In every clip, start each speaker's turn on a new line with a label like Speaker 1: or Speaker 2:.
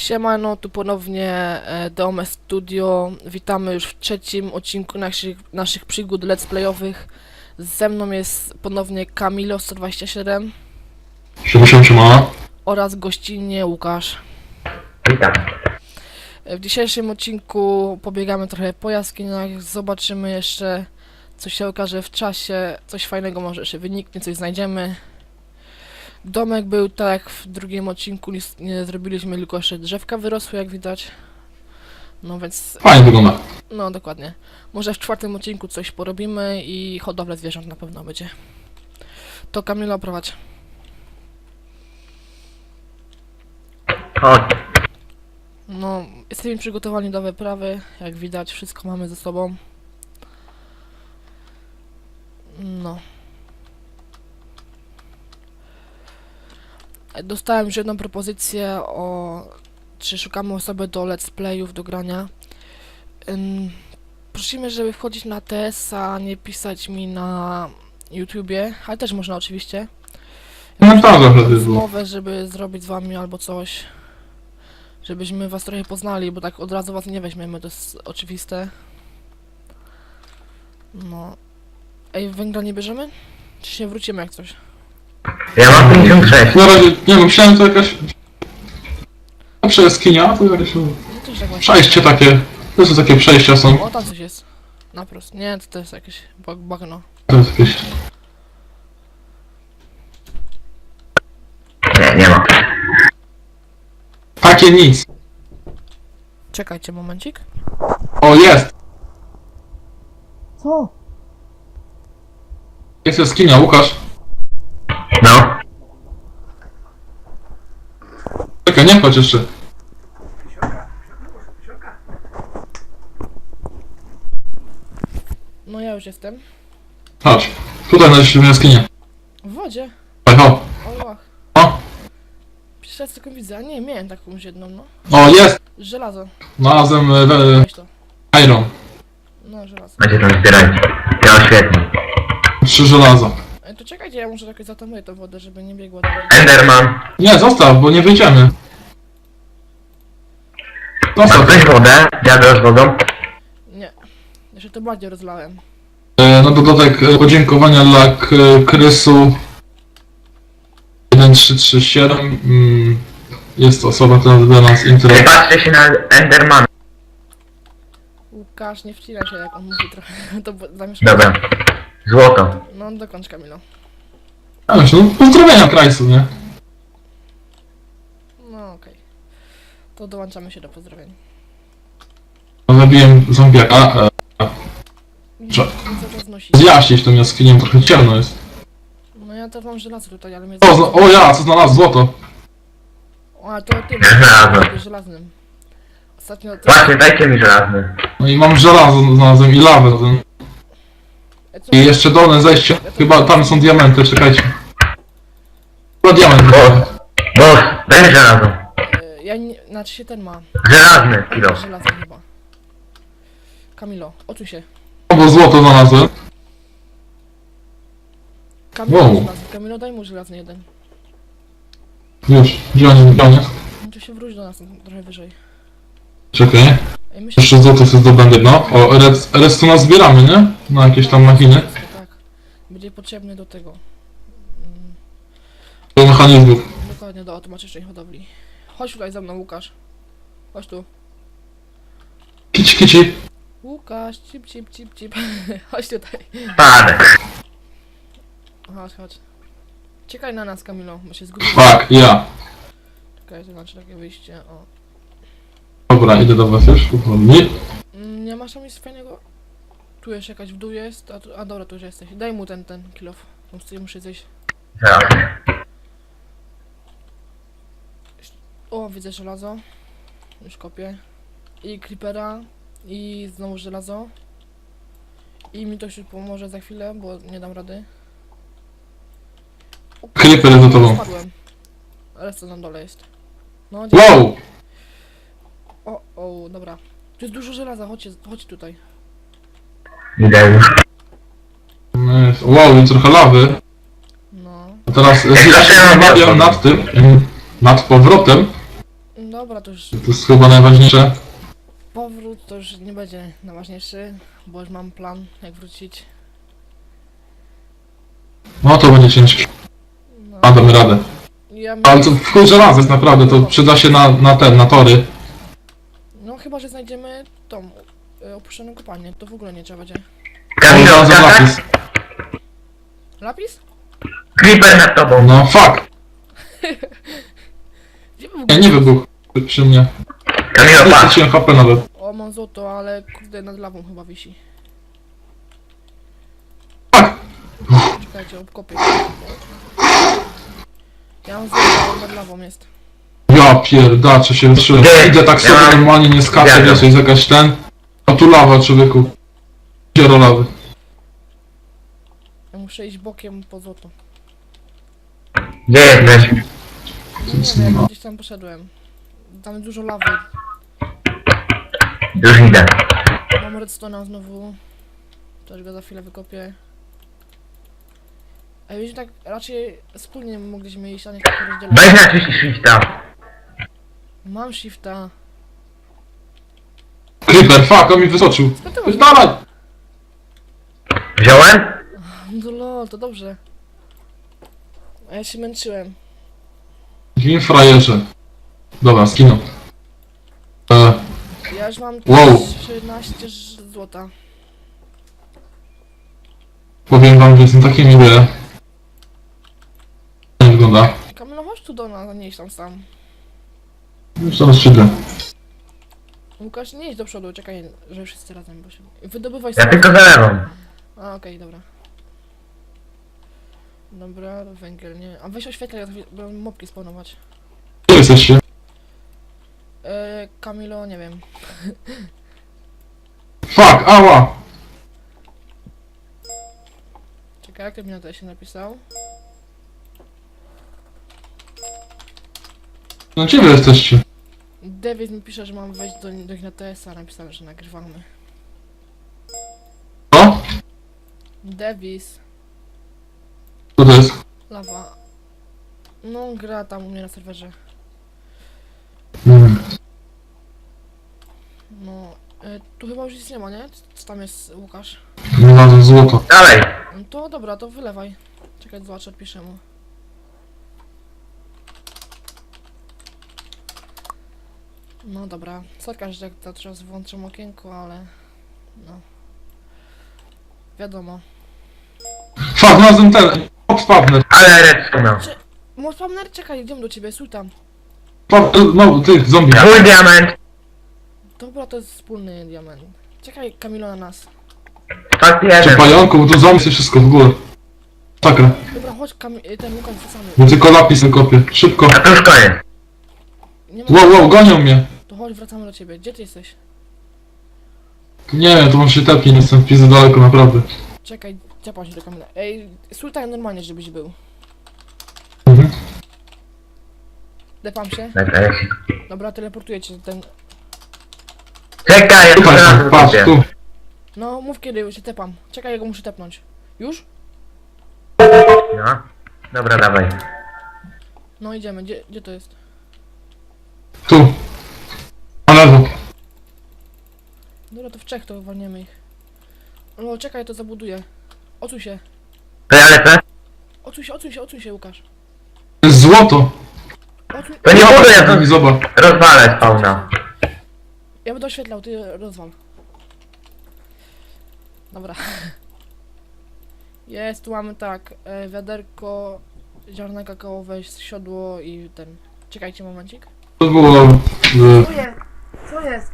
Speaker 1: Siemano, tu ponownie Dome Studio. Witamy już w trzecim odcinku naszych przygód let's playowych. Ze mną jest ponownie Kamilo 127
Speaker 2: Siema.
Speaker 1: oraz gościnnie Łukasz.
Speaker 3: Witam.
Speaker 1: W dzisiejszym odcinku pobiegamy trochę po jaskiniach, zobaczymy jeszcze co się okaże w czasie, coś fajnego może jeszcze wyniknie, coś znajdziemy. Domek był tak jak w drugim odcinku, nic nie zrobiliśmy, tylko jeszcze drzewka wyrosły jak widać. No więc,
Speaker 2: Fajnie wygląda.
Speaker 1: no dokładnie. Może w czwartym odcinku coś porobimy i hodowlę zwierząt na pewno będzie. To Kamilo prowadź.
Speaker 3: Chodź.
Speaker 1: No, jesteśmy przygotowani do wyprawy, jak widać wszystko mamy ze sobą. No. Dostałem już jedną propozycję czy szukamy osoby do let's playów, do grania. Prosimy, żeby wchodzić na TS, a nie pisać mi na YouTubie, ale też można oczywiście.
Speaker 2: No tak, zawsze jest było.
Speaker 1: Rozmowę, żeby zrobić z wami albo coś. Żebyśmy was trochę poznali, bo tak od razu was nie weźmiemy, to jest oczywiste. No. Ej, węgla nie bierzemy? Czy się wrócimy jak coś?
Speaker 3: Ja mam 56.
Speaker 2: Na razie, nie wiem, myślałem, to jakaś... Lepsza jaskinia, to jakieś...
Speaker 1: No to już tak właśnie.
Speaker 2: Przejście takie... To są takie przejścia są.
Speaker 1: O, tam coś jest. Naprost. Nie, to jest jakieś bagno.
Speaker 2: To jest jakieś...
Speaker 3: Nie ma.
Speaker 2: Takie nic.
Speaker 1: Czekajcie momencik.
Speaker 2: O, jest!
Speaker 1: Co?
Speaker 2: Jest jaskinia, Łukasz.
Speaker 3: No.
Speaker 2: Czekaj, nie chodź jeszcze.
Speaker 1: No ja już jestem.
Speaker 2: Chodź. Tutaj znaleźliśmy jaskinię.
Speaker 1: W wodzie.
Speaker 2: Chodź, o.
Speaker 1: O, łach.
Speaker 2: O,
Speaker 1: Pierwszy raz tylko widzę, a nie, miałem taką już jedną, no.
Speaker 2: o, jest!
Speaker 1: Żelazo.
Speaker 2: Znalazłem
Speaker 1: Weź to.
Speaker 2: iron.
Speaker 1: No, żelazo.
Speaker 3: Macie tam zbierać. Ja świetnie.
Speaker 2: 3 żelaza.
Speaker 1: Ej, to czekajcie, ja może jakoś zatamuję tę wodę, żeby nie biegła dalej.
Speaker 3: Enderman.
Speaker 2: Nie, zostaw, bo nie wyjdziemy.
Speaker 3: Mam
Speaker 2: Zostaw.
Speaker 3: ktoś wodę? Wiadro z wodą?
Speaker 1: Nie. Jeszcze to bardziej rozlałem.
Speaker 2: Na dodatek podziękowania dla Krysu 1337. Jest to osoba, która dla nas
Speaker 3: Nie
Speaker 2: interesuje.
Speaker 3: patrzcie się na Endermana.
Speaker 1: Łukasz, nie wcinaj się jak on mówi trochę, to zamieszka.
Speaker 3: Dobra. Złoto.
Speaker 1: No, dokończ Kamilo.
Speaker 2: No, pozdrowienia Krajsu, nie?
Speaker 1: No, okej. To dołączamy się do pozdrowień.
Speaker 2: Zabiłem zombiaka.
Speaker 1: Co
Speaker 2: Że-
Speaker 1: to znosi?
Speaker 2: Zjaśnić tą jaskinię, trochę ciemno jest.
Speaker 1: No ja to mam żelazo tutaj, ale mnie...
Speaker 2: O, ja, co znalazł złoto.
Speaker 1: O, ale to tym,
Speaker 3: Żelazo.
Speaker 1: żelaznym. Ostatnio to...
Speaker 3: Właśnie, dajcie mi żelazny.
Speaker 2: No i mam żelazo, znalazłem i lawę.
Speaker 1: Co?
Speaker 2: I jeszcze dolne zejście. Chyba tam są diamenty, czekajcie. Chyba diament.
Speaker 3: Boss, daj mi żelazo.
Speaker 1: Ja nie... Znaczy się ten ma.
Speaker 3: Żelazny kilo.
Speaker 1: Żelazny chyba. Kamilo, oczuj się.
Speaker 2: Bo złoto znalazłem.
Speaker 1: Kamilo,
Speaker 2: Wow.
Speaker 1: żelazny. Kamilo, daj mu żelazny jeden.
Speaker 2: Już, gdzie on jest?
Speaker 1: No to się wróć do nas trochę wyżej.
Speaker 2: Czekaj.
Speaker 1: Ej, myślę,
Speaker 2: Jeszcze złoto sobie zdobędę, no. O, redstone zbieramy, nie? Na jakieś tam machiny.
Speaker 1: tak. Będzie potrzebny do tego.
Speaker 2: Do mechanizmów.
Speaker 1: Dokładnie do automatycznej hodowli. Chodź tutaj za mną, Łukasz. Chodź tu.
Speaker 2: Kici.
Speaker 1: Łukasz, cip. Chodź tutaj.
Speaker 3: Spadek.
Speaker 1: Chodź. Czekaj na nas, Kamilo, bo się zgubię.
Speaker 2: Tak, ja.
Speaker 1: Czekaj, to znaczy takie wyjście, o.
Speaker 2: Dobra, idę do was już. Powoli.
Speaker 1: Nie masz tam nic fajnego? Tu jeszcze jakaś w dół jest, a dobra, tu już jesteś. Daj mu ten kill off. Muszę zejść.
Speaker 3: Żelazny.
Speaker 1: O, widzę żelazo. Już kopię. I creepera. I znowu żelazo. I mi to już pomoże za chwilę, bo nie dam rady. O,
Speaker 2: Creeper jest za tobą.
Speaker 1: Spadłem. Ale co na dole jest? No,
Speaker 2: Wow!
Speaker 1: o, dobra. Tu jest dużo żelaza, chodź tutaj.
Speaker 3: Idę już.
Speaker 2: Wow, i trochę lawy.
Speaker 1: No.
Speaker 2: A teraz ja się zastanawiam nad tym, nad powrotem.
Speaker 1: No Dobra, to już
Speaker 2: To jest chyba najważniejsze.
Speaker 1: powrót to już nie będzie najważniejszy, bo już mam plan, jak wrócić.
Speaker 2: No to będzie ciężko.
Speaker 1: No,
Speaker 2: A damy radę.
Speaker 1: ja
Speaker 2: Ale to w chuj żelazo jest naprawdę, to przyda się na tory.
Speaker 1: No chyba, że znajdziemy tą opuszczoną kopalnię, to w ogóle nie trzeba będzie.
Speaker 3: Kamilo,
Speaker 2: Żelazo
Speaker 3: tak?
Speaker 2: lapis.
Speaker 1: Lapis?
Speaker 3: Creeper nad tobą.
Speaker 2: No fuck.
Speaker 1: Gdzie był?
Speaker 2: Nie wybuchł przy mnie.
Speaker 3: Kamilo,
Speaker 2: Nie
Speaker 3: patrz.
Speaker 2: straciłem HP nawet.
Speaker 1: O, mam złoto, ale kurde nad lawą chyba wisi.
Speaker 2: Fuck.
Speaker 1: Czekajcie, obkopię. Ja mam złoto, ale nad lawą jest.
Speaker 2: Ja pierdaczę się wytrzyłem.
Speaker 3: Gdzie?
Speaker 2: Idę tak sobie
Speaker 3: Ja mam-
Speaker 2: normalnie, nie skaczę,
Speaker 3: Zgadzam.
Speaker 2: wiesz, jest jakaś ten. A tu lawa, człowieku. Dziero lawy.
Speaker 1: Ja muszę iść bokiem po złoto.
Speaker 3: Gdzie jesteś?
Speaker 1: No nie wiem, gdzieś tam poszedłem. Tam jest dużo lawy.
Speaker 3: Już idę.
Speaker 1: Mam redstone'a znowu. Też go za chwilę wykopię. A wiecie, tak raczej wspólnie mogliśmy iść, a nie tak rozdzielać.
Speaker 3: Weź na czyś shifta.
Speaker 1: Mam shifta.
Speaker 2: Creeper, fuck, on mi wysoczył.
Speaker 1: Skąd ty masz?
Speaker 2: Dalej!
Speaker 3: Wziąłem?
Speaker 1: No lol, to dobrze. A ja się męczyłem.
Speaker 2: Gin frajerze. Dobra, skinął.
Speaker 1: Ja już mam
Speaker 2: Wow.
Speaker 1: 13 złota.
Speaker 2: Powiem wam, że jestem taki miły. Nie wygląda.
Speaker 1: Kamilo, chodź tu do nas, a nie idź tam sam.
Speaker 2: Już teraz przyjdę.
Speaker 1: Łukasz, nie idź do przodu, czekaj, że wszyscy razem, bo się... Wydobywaj
Speaker 3: Ja
Speaker 1: sobie.
Speaker 3: tylko zalewam.
Speaker 1: A, okej, dobra. Dobra, węgiel, nie. A weź oświetlaj, bo mopki spawnować.
Speaker 2: Gdzie jesteście?
Speaker 1: Kamilo, nie wiem.
Speaker 2: Fuck, ała!
Speaker 1: Czekaj, jak mi na to się napisał?
Speaker 2: No gdzie wy jesteście?
Speaker 1: David mi pisze, że mam wejść do ich na TS-a, napisałem, że nagrywamy.
Speaker 2: Co?
Speaker 1: Davis,
Speaker 2: Co to jest?
Speaker 1: lawa. No, gra tam u mnie na serwerze.
Speaker 2: Hmm.
Speaker 1: No, tu chyba już nic nie ma, nie? Co tam jest, Łukasz?
Speaker 2: Znalazłem złoto.
Speaker 3: Dalej.
Speaker 1: No to dobra, to wylewaj. Czekaj, zobaczę, odpiszę mu. No dobra, sorka, że tak teraz włączam okienko, ale... No. Wiadomo.
Speaker 2: Fuck, znalazłem ten. Spawner.
Speaker 3: Ale redstone.
Speaker 1: Spawner, czekaj, idziemy do ciebie, stój tam.
Speaker 2: No, tych zombie.
Speaker 3: Twój diament.
Speaker 1: Dobra, to jest wspólny diament. Czekaj, Kamilo, na nas.
Speaker 3: Fakt
Speaker 2: Czy
Speaker 3: jeden.
Speaker 2: pająku, bo tu zombie jest wszystko w górę. Sakra.
Speaker 1: Dobra, chodź, ten Łukasz, wracamy.
Speaker 2: Bo tylko lapis kopię. Szybko.
Speaker 3: A to już koniec.
Speaker 1: Nie ma...
Speaker 2: Wow, gonią mnie.
Speaker 1: To chodź, wracamy do ciebie. Gdzie ty jesteś?
Speaker 2: Nie, to on się tepnie, nie jestem pizzy daleko, naprawdę.
Speaker 1: Czekaj, ciepam się do Kamila. Ej, stój tak normalnie, żebyś był.
Speaker 2: Mhm.
Speaker 1: Depam się.
Speaker 3: Czekaj.
Speaker 1: Dobra, teleportuję cię ten...
Speaker 3: Czekaj, ja
Speaker 2: Tutaj
Speaker 3: to
Speaker 2: są,
Speaker 3: raz
Speaker 2: patrz,
Speaker 3: zrobię.
Speaker 2: tu.
Speaker 1: No, mów kiedy się tepam. Czekaj, ja go muszę tepnąć. Już?
Speaker 3: No. Dobra, dawaj.
Speaker 1: No, idziemy. Gdzie to jest?
Speaker 2: Tu. Na lewo.
Speaker 1: Dobra, to w Czech to walniemy ich. No, czekaj, to zabuduję. Odsuń się.
Speaker 3: To ja lecę?
Speaker 1: Odsuń się, Łukasz.
Speaker 2: To jest złoto.
Speaker 1: Odsuń...
Speaker 3: To nie buduję,
Speaker 2: Zobacz,
Speaker 3: to
Speaker 2: zobacz.
Speaker 3: rozwalę spawna.
Speaker 1: Ja będę oświetlał, ty rozwal. Dobra. Jest, tu mamy tak, wiaderko, ziarna kakaowe, siodło i ten... Czekajcie momencik.
Speaker 2: To było...
Speaker 1: Co jest?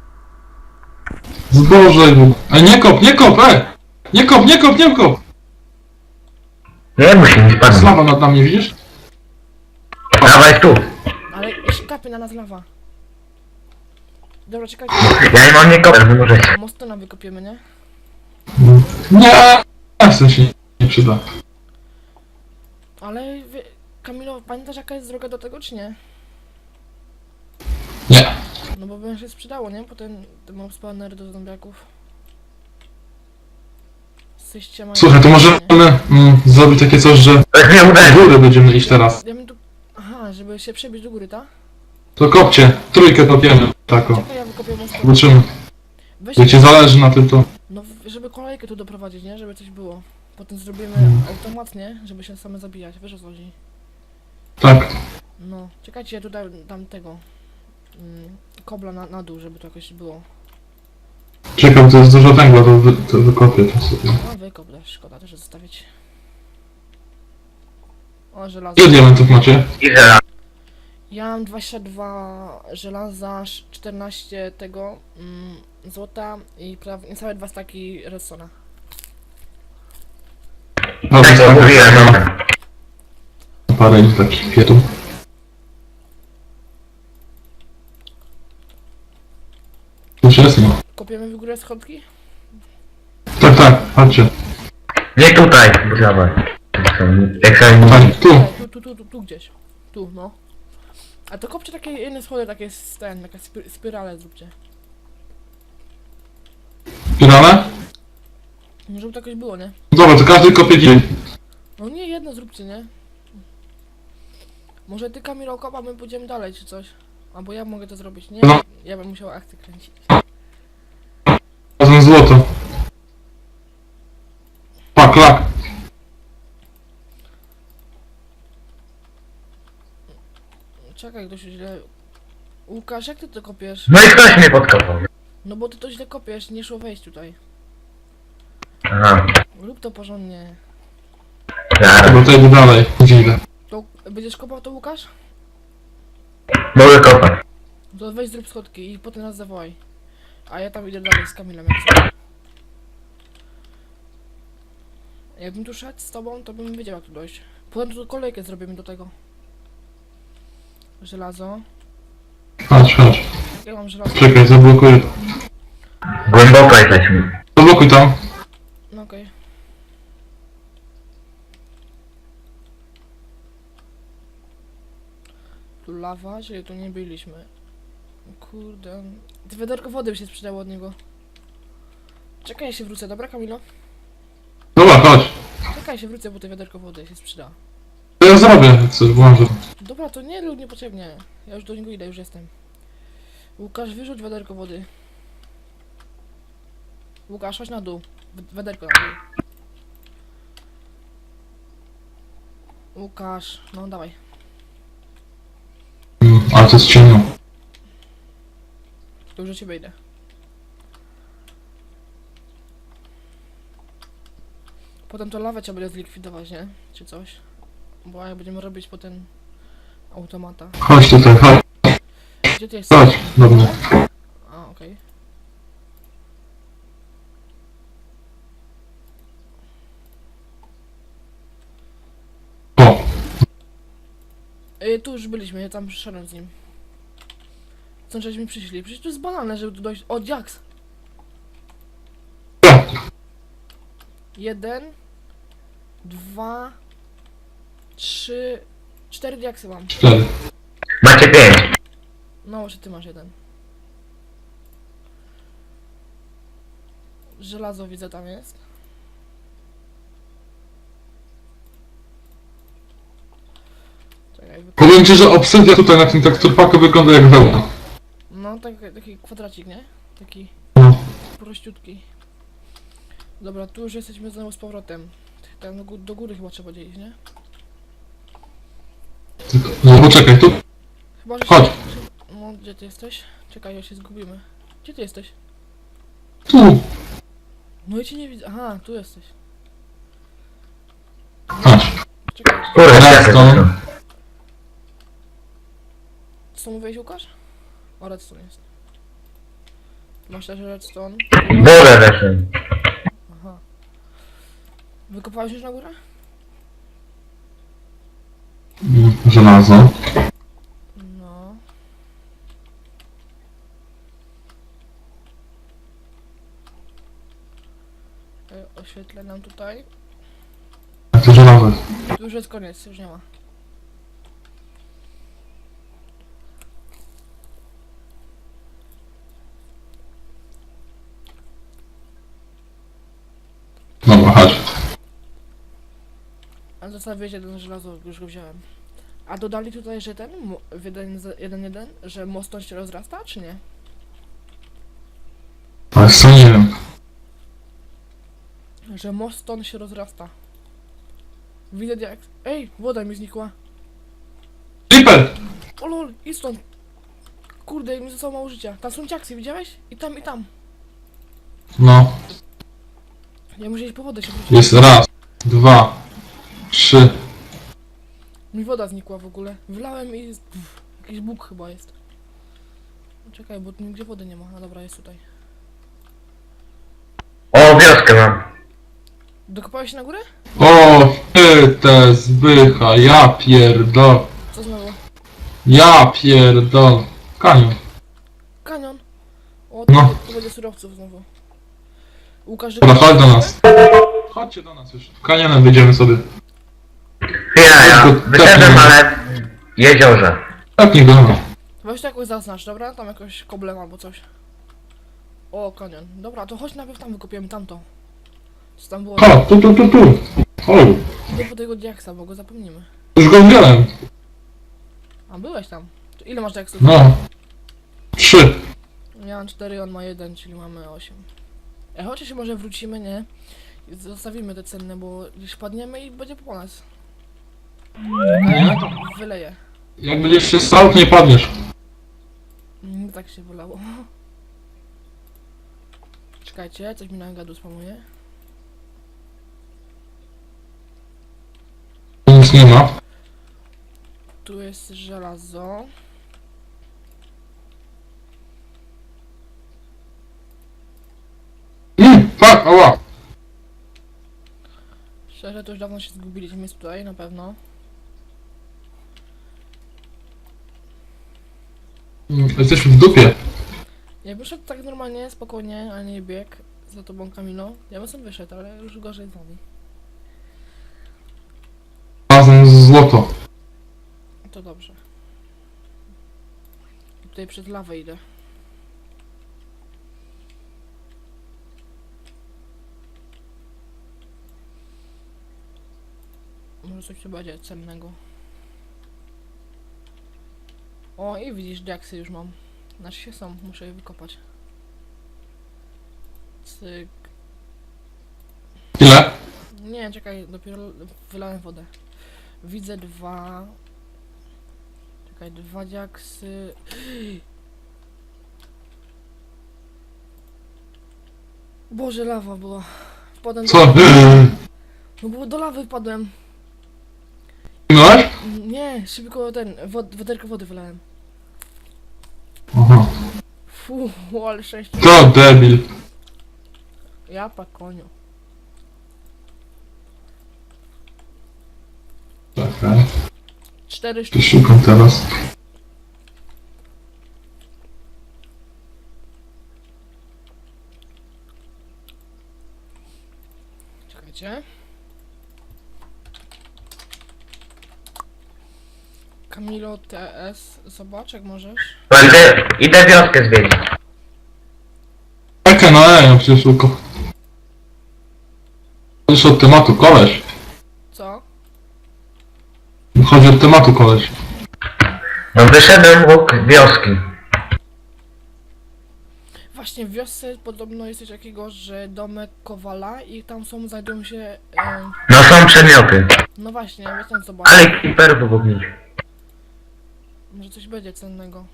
Speaker 2: Zboże. Ej, nie kop, nie kop, Nie kop, nie kop, nie kop.
Speaker 3: Nie musi nic
Speaker 2: Jest
Speaker 3: padać.
Speaker 2: lawa nad nami, widzisz?
Speaker 3: Dawaj tu.
Speaker 1: Ale jeszcze kapie na nas lawa. Dobra, czekajcie.
Speaker 3: Ja nie mam nikogo, nie możecie.
Speaker 1: Mostona wykopiemy, nie?
Speaker 2: Nie. W sensie nie przyda.
Speaker 1: Ale Kamilo, pamiętasz jaka jest droga do tego, czy nie?
Speaker 2: Nie.
Speaker 1: No bo by się sprzedało, nie? Potem te mob spawnery do zombiaków. Jesteście mają...
Speaker 2: Słuchaj, to możemy zrobić takie coś, że
Speaker 3: To jest nie
Speaker 2: do
Speaker 3: uderzy.
Speaker 2: góry będziemy iść teraz.
Speaker 1: Ja bym tu... Aha, żeby się przebić do góry, tak?
Speaker 2: To kopcie, trójkę kopiemy, tako.
Speaker 1: Czekaj, ja wykopię most.
Speaker 2: Zobaczymy.
Speaker 1: Weź,
Speaker 2: Jak ci zależy na tym, to...
Speaker 1: no żeby kolejkę tu doprowadzić, nie? Żeby coś było. Potem zrobimy automat, nie? Żeby się same zabijać, wiesz o co chodzi?
Speaker 2: Tak.
Speaker 1: No, czekajcie, ja tu dam tego... kobla na dół, żeby to jakoś było.
Speaker 2: Czekam, to jest dużo węgla, to wykopię to sobie.
Speaker 1: No wykop też, szkoda też zostawić. O, żelazo.
Speaker 2: Ile diamentów macie?
Speaker 3: I żelazo.
Speaker 1: Ja mam 22 żelaza, 14 tego złota i prawie niecałe 2 staki redstone'a.
Speaker 2: Dobra,
Speaker 3: Tak to mówiłem, no.
Speaker 2: parę takich kwiatów. Już jest, no.
Speaker 1: Kopiemy w górę schodki?
Speaker 2: Tak, tak, chodźcie.
Speaker 3: Nie tutaj, bo zobacz. Jak sobie
Speaker 2: Tak, tu.
Speaker 1: Tutaj, tu gdzieś. Tu, no. A to kopcie takie jedne schody, takie takie spirale zróbcie.
Speaker 2: Finale?
Speaker 1: No, żeby to jakoś było, nie?
Speaker 2: Dobra, to każdy kopie dzień.
Speaker 1: No nie, jedno zróbcie, nie? Może ty, Kamilo, kop, a my pójdziemy dalej, czy coś? Albo ja mogę to zrobić, nie?
Speaker 2: No.
Speaker 1: Ja bym musiał akcję kręcić.
Speaker 2: Razem złoto. Pak, lak.
Speaker 1: Czekaj, ktoś źle... Łukasz, jak ty to kopiesz?
Speaker 3: No i ktoś mnie podkopał.
Speaker 1: No bo ty to źle kopiesz, nie szło wejść tutaj.
Speaker 3: Aha,
Speaker 1: Rób to porządnie.
Speaker 3: zaraz.
Speaker 2: Dobra, to idę dalej. Gdzie idę?
Speaker 1: To będziesz kopał to, Łukasz?
Speaker 3: Mogę kopać.
Speaker 1: To weź zrób schodki i potem nas zawołaj. A ja tam idę dalej z Kamilem, jak chcesz. Jakbym tu szedł z tobą, to bym wiedział, jak tu dojść. Potem tu kolejkę zrobimy do tego. Żelazo.
Speaker 2: Chodź, chodź.
Speaker 1: Ja mam żelazo.
Speaker 2: Czekaj, zablokuję.
Speaker 3: Głęboko jesteśmy.
Speaker 2: Zablokuj tam.
Speaker 1: No okej. Tu lawa, czyli tu nie byliśmy. Kurde. Te wiaderko wody by się sprzedało od niego. Czekaj, ja się wrócę, dobra, Kamilo?
Speaker 2: Dobra, chodź.
Speaker 1: Czekaj, się wrócę, bo te wiaderko wody się sprzyda.
Speaker 2: To ja zrobię, co włączę.
Speaker 1: Dobra, to nie lub niepotrzebnie. Ja już do niego idę, już jestem. Łukasz, wyrzuć wiaderko wody. Łukasz, chodź na dół. Wiaderko na dół. Łukasz, no dawaj.
Speaker 2: Ale to jest ciemno.
Speaker 1: To już do ciebie idę. Potem to lawę trzeba będzie zlikwidować, nie? Czy coś. Bo jak będziemy robić potem automata.
Speaker 2: Chodź tutaj, chodź.
Speaker 1: Gdzie ty jesteś?
Speaker 2: Chodź, dobra.
Speaker 1: A, okej.
Speaker 2: O,
Speaker 1: Tu już byliśmy, ja tam przyszedłem z nim. Co żeśmy przyszli? Przecież to jest banalne, żeby tu dojść. O, Jax!
Speaker 2: ja.
Speaker 1: 1, 2, 3, 4 diaksy mam.
Speaker 2: 4.
Speaker 3: Macie 5.
Speaker 1: No, czy ty masz jeden? Żelazo widzę tam jest. Czekaj,
Speaker 2: Powiem ci, że obsydia tutaj na tym teksturpaku wygląda jak wełna.
Speaker 1: no, taki kwadracik, nie? Taki
Speaker 2: No.
Speaker 1: prościutki. Dobra, tu już jesteśmy znowu z powrotem. Tam do góry chyba trzeba iść, nie?
Speaker 2: No poczekaj, tu.
Speaker 1: Chyba, że
Speaker 2: Chodź.
Speaker 1: No, gdzie ty jesteś? Czekaj, ja się zgubimy. Gdzie ty jesteś?
Speaker 2: Tu.
Speaker 1: No i cię nie widzę. Aha, tu jesteś.
Speaker 2: Chodź.
Speaker 1: Czekaj,
Speaker 3: Kurde,
Speaker 2: Redstone.
Speaker 3: jak
Speaker 1: co mówiłeś, Łukasz? O, redstone jest. Masz też redstone.
Speaker 3: Wolę weszłem.
Speaker 1: Aha. Wykopałeś już na górę?
Speaker 2: Żelazo.
Speaker 1: No. Oświetlę nam tutaj.
Speaker 2: Jak to żelazo jest?
Speaker 1: Tu już jest koniec, już nie ma.
Speaker 2: Dobra, chodź.
Speaker 1: Ale zostawiłeś jeden żelazo, już go wziąłem. A dodali tutaj, że ten, w 1.1, że most on się rozrasta, czy nie?
Speaker 2: Ale co nie wiem.
Speaker 1: Że most on się rozrasta. Widzę jak... Ej, woda mi znikła.
Speaker 2: Creeper!
Speaker 1: O lol, i stąd. Kurde, mi zostało mało życia. Tam są ciaksy, widziałeś? I tam, i tam.
Speaker 2: No,
Speaker 1: Ja muszę iść po wodę się wrócić.
Speaker 2: jest raz, dwa, trzy.
Speaker 1: Mi woda znikła w ogóle. Wlałem i... jakiś bóg chyba jest. Czekaj, bo tu nigdzie wody nie ma. A dobra, jest tutaj.
Speaker 3: O, wioskę mam.
Speaker 1: Dokopałeś się na górę?
Speaker 2: O, te zbycha, ja pierdol.
Speaker 1: Co znowu?
Speaker 2: Ja pierdol. Kanion.
Speaker 1: Kanion. O,
Speaker 2: No.
Speaker 1: tu będzie surowców znowu. Łukasz,
Speaker 2: Dobra, chodź do nas. Chodźcie do nas już. Kanionem wyjdziemy sobie.
Speaker 3: Ja
Speaker 2: Tylko
Speaker 3: wyszedłem, ale w jeziorze.
Speaker 2: Tak nie do nas.
Speaker 1: Weź to jakoś zaznacz, dobra? Tam jakoś koblem albo coś. O, kanion. Dobra, to chodź najpierw tam wykopiemy tamto. Co tam było?
Speaker 2: Chodź, tu. Chodź.
Speaker 1: Idę po tego diaksa, bo go zapomnimy.
Speaker 2: Już go wziąłem.
Speaker 1: A, byłeś tam. To ile masz diaksów?
Speaker 2: No. 3.
Speaker 1: Ja mam 4, on ma 1, czyli mamy 8. Chociaż się może wrócimy, nie? I zostawimy te cenne, bo gdzieś padniemy i będzie po nas.
Speaker 2: Nie?
Speaker 1: Wyleję.
Speaker 2: Jak będziesz się stał, to nie padniesz.
Speaker 1: Tak się wylało. Czekajcie, coś mi na gadu spamuje.
Speaker 2: Nic nie ma.
Speaker 1: Tu jest żelazo.
Speaker 2: Fuck, ała.
Speaker 1: Szczerze, to już dawno się zgubiliśmy jest tutaj, na pewno.
Speaker 2: Jesteśmy w dupie.
Speaker 1: Ja bym szedł tak normalnie, spokojnie, a nie bieg za tobą, Kamilo. Ja bym sobie wyszedł, ale już gorzej z nami.
Speaker 2: Razem z złoto.
Speaker 1: To dobrze. Tutaj przed lawę idę. Może coś tu będzie cennego. O, i widzisz, diaksy już mam. Znaczy się są, muszę je wykopać. Cyk.
Speaker 2: Ile?
Speaker 1: Nie, czekaj, dopiero wylałem wodę. Widzę 2. Czekaj, 2 diaksy. Boże, lawa była. Wpadłem
Speaker 2: Co?
Speaker 1: do... No bo do lawy wpadłem.
Speaker 2: Zginąłeś?
Speaker 1: Nie, szybko ten, wiaderko wody wylałem.
Speaker 2: Aha.
Speaker 1: Fu, ale szczęście.
Speaker 2: To debil.
Speaker 1: Ja pa koniu.
Speaker 2: Czekaj.
Speaker 1: 4
Speaker 2: Tu
Speaker 1: sztuki.
Speaker 2: szukam teraz.
Speaker 1: Czekajcie. Kamilo TS, zobacz jak możesz.
Speaker 3: Idę wioskę zwiedzić.
Speaker 2: Czekaj, no ja przecież tylko. Chodź od tematu, koleś.
Speaker 1: Co?
Speaker 2: Chodzi od tematu, koleś.
Speaker 3: No wyszedłem łuk wioski.
Speaker 1: Właśnie w wiosce podobno jest coś takiego, że domek Kowala i tam znajdują się...
Speaker 3: No są przedmioty.
Speaker 1: no właśnie, ja tam zobacz.
Speaker 3: Ale creeperów obok nich.
Speaker 1: Może coś będzie cennego.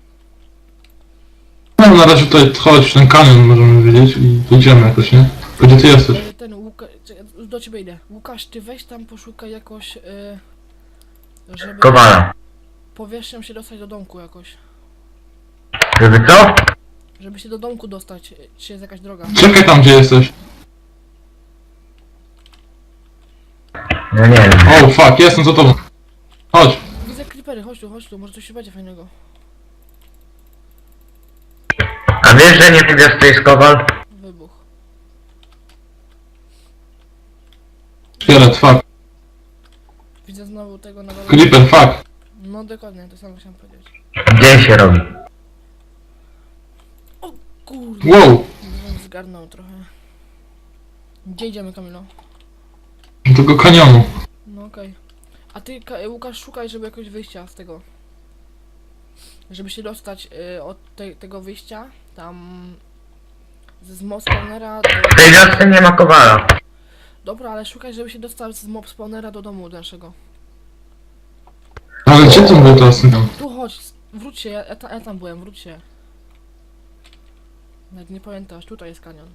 Speaker 2: No na razie tutaj chodź, ten kanion możemy wiedzieć i dojdziemy jakoś, nie? Gdzie ty jesteś?
Speaker 1: Ten Łukasz, do ciebie idę. Łukasz, ty weź tam poszukaj jakoś, żeby
Speaker 3: Kowala.
Speaker 1: powierzchnią się dostać do domku jakoś.
Speaker 3: Żeby co?
Speaker 1: Żeby się do domku dostać, czy jest jakaś droga.
Speaker 2: Czekaj tam, gdzie jesteś.
Speaker 3: No nie wiem.
Speaker 2: O, fuck, jestem za tobą. Chodź.
Speaker 1: Widzę creepery, chodź tu, może coś się będzie fajnego.
Speaker 3: A wiesz, że nie w wiosce jest kowal?
Speaker 1: Wybuch.
Speaker 2: Szkielet, fuck.
Speaker 1: Widzę znowu tego na dole.
Speaker 2: Creeper, fuck.
Speaker 1: No dokładnie, to samo chciałem powiedzieć.
Speaker 3: Dzień się robi.
Speaker 1: Kurde,
Speaker 2: Wow.
Speaker 1: bym zgarnął trochę. Gdzie idziemy, Kamilo?
Speaker 2: Do tego kanionu.
Speaker 1: No okej. A ty, Łukasz, szukaj, żeby jakoś wyjścia z tego. Żeby się dostać od tego wyjścia, tam z mob spawnera do...
Speaker 3: W tej wiosce nie ma kowala.
Speaker 1: Dobra, ale szukaj, żeby się dostać z mob spawnera do domu naszego.
Speaker 2: Ale gdzie to było teraz?
Speaker 1: Tu chodź, wróć się, ja tam byłem, wróć się. Nawet nie pamiętasz, tutaj jest kanion.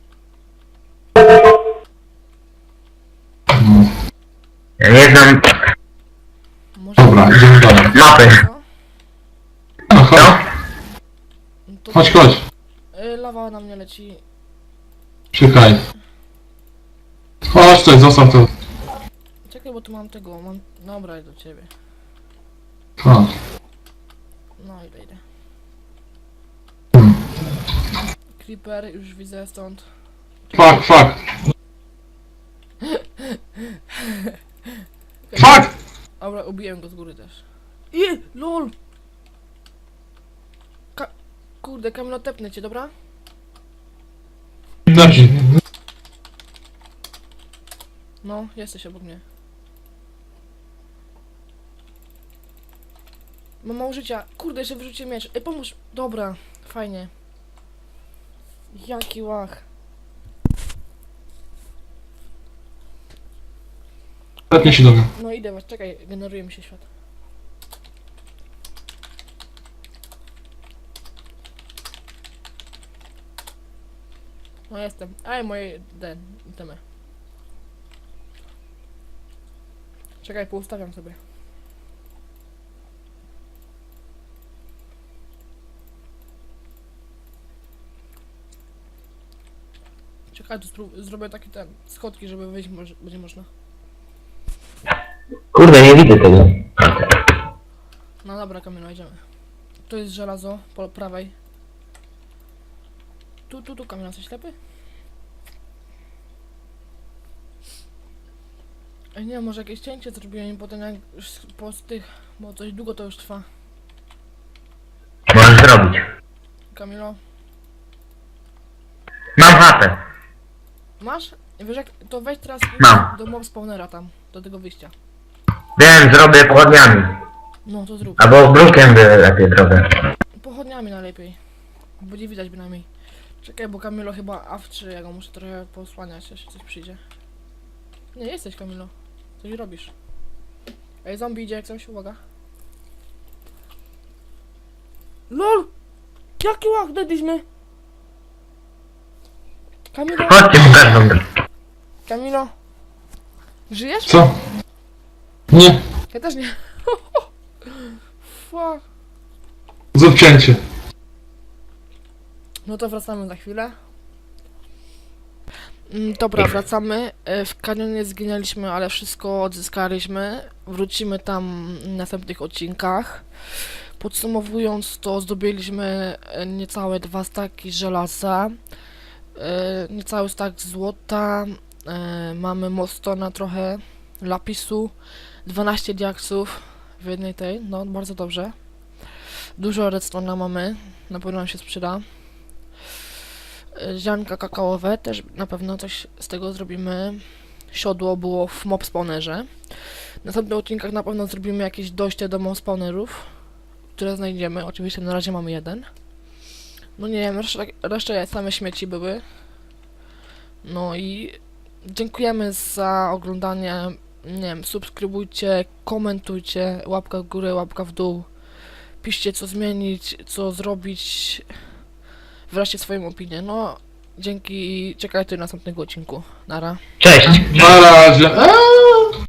Speaker 3: Ja nie znam
Speaker 1: Może...
Speaker 2: Dobra, idziemy dalej.
Speaker 3: mapy.
Speaker 1: No?
Speaker 2: No, chodź,
Speaker 3: Co?
Speaker 1: No to...
Speaker 2: chodź, chodź.
Speaker 1: Lawa na mnie leci.
Speaker 2: Czekaj. Chodź tutaj, zostaw to.
Speaker 1: Czekaj, bo tu mam tego, mam... Dobra, idę do ciebie.
Speaker 2: Chodź.
Speaker 1: No, idę. Creeper, już widzę stąd.
Speaker 2: Fuck, fuck. Fuck!
Speaker 1: Dobra, ubiłem go z góry też. LOL! Kurde, Kamilo, tepnę cię, dobra?
Speaker 2: Dobrze.
Speaker 1: No, jesteś obok mnie. Mam mało życia. Kurde, jeszcze wyrzucił miecz. Pomóż. Dobra, fajnie. Jaki łach.
Speaker 2: Letnie się do mnie.
Speaker 1: No idę, czekaj, generuje mi się świat. No jestem. Aj, moje itemy. Czekaj, poustawiam sobie. Czekaj, tu zrobię taki schodki, żeby wyjść będzie można.
Speaker 3: Kurde, nie widzę tego.
Speaker 1: No dobra, Kamilo, idziemy. Tu jest żelazo, po prawej. Tu, Kamilo, jesteś ślepy? Ej, nie, może jakieś cięcie zrobiłem i potem jak już po tych, bo coś długo to już trwa.
Speaker 3: Możesz zrobić.
Speaker 1: Kamilo,
Speaker 3: Mam chatę.
Speaker 1: masz? Wiesz jak, to wejdź teraz
Speaker 3: Mam.
Speaker 1: do mob spawnera tam, do tego wyjścia.
Speaker 3: Wiem, zrobię pochodniami.
Speaker 1: No to zrób.
Speaker 3: Albo brukiem by lepiej zrobię.
Speaker 1: Pochodniami najlepiej. Będzie widać bynajmniej. Czekaj, bo Kamilo chyba awczy, ja go muszę trochę posłaniać, jeśli coś przyjdzie. Nie, jesteś Kamilo. Coś robisz. Ej, zombie idzie jak coś, uwaga. LOL! Jaki łach dedliśmy? Kamilo?
Speaker 3: Chodźcie, pokażę wam.
Speaker 1: Kamilo? Żyjesz?
Speaker 2: Co? Nie.
Speaker 1: Ja też nie. Fuck.
Speaker 2: Zrób cięcie.
Speaker 1: No to wracamy za chwilę. Dobra, wracamy. W kanionie zginęliśmy, ale wszystko odzyskaliśmy. Wrócimy tam w następnych odcinkach. Podsumowując, to zdobyliśmy niecałe 2 staki żelaza, niecały stak złota, mamy mostona trochę, lapisu, 12 diaksów w jednej tej, no bardzo dobrze. Dużo redstone'a mamy, na pewno nam się sprzyda. Ziarnka kakaowe, też na pewno coś z tego zrobimy. Siodło było w mob spawnerze. W następnych odcinkach na pewno zrobimy jakieś dojście do mob spawnerów, które znajdziemy. Oczywiście na razie mamy jeden. No nie wiem, reszta same śmieci były. No i dziękujemy za oglądanie. Nie wiem, subskrybujcie, komentujcie, łapka w górę, łapka w dół. Piszcie co zmienić, co zrobić. Wyraźcie swoją opinię. No, dzięki i czekajcie do następnego odcinku. Nara.
Speaker 3: Cześć.
Speaker 2: Na razie.